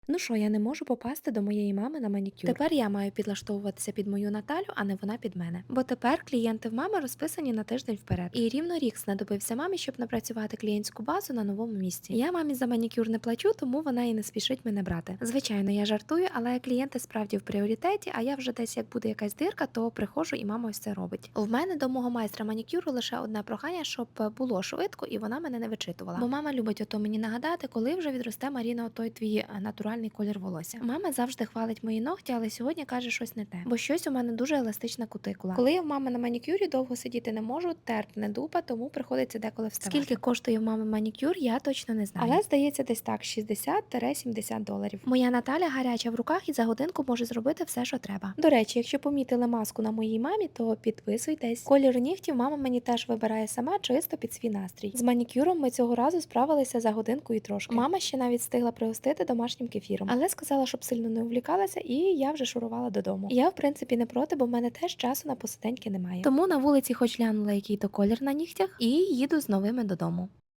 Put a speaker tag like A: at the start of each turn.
A: Ну що, я не можу попасти до моєї мами на манікюр. Тепер я маю підлаштовуватися під мою Наталю, а не вона під мене. Бо тепер клієнти в мами розписані на тиждень вперед. І рівно рік знадобився мамі, щоб напрацювати клієнтську базу на новому місці. Я мамі за манікюр не плачу, тому вона і не спішить мене брати. Звичайно, я жартую, але клієнти справді в пріоритеті, а я вже десь як буде якась дирка, то приходжу і мама ось це робить. В мене до мого майстра манікюру лише одне прохання, щоб було швидко і вона мене не вичитувала. Бо мама любить ото мені нагадати, коли вже відросте Маріна отой твій натуральний колір волосся. Мама завжди хвалить мої ногті, але сьогодні каже щось не те. Бо щось у мене дуже еластична кутикула. Коли я в мами на манікюрі довго сидіти не можу, терпне дупа, тому приходиться деколи вставати. Скільки коштує в мами манікюр, я точно не знаю. Але здається, десь так 60-70 доларів. Моя Наталя гаряча в руках і за годинку може зробити все, що треба. До речі, якщо помітили маску на моїй мамі, то підписуйтесь. Колір нігтів мама мені теж вибирає сама чисто під свій настрій. З манікюром ми цього разу справилися за годинку і трошки. Мама ще навіть встигла пригостити домашнім кефіром, але сказала, щоб сильно не увлікалася, і я вже шурувала додому. Я, в принципі, не проти, бо в мене теж часу на посиденьки немає. Тому на вулиці хоч глянула, який то колір на нігтях, і їду з новими додому.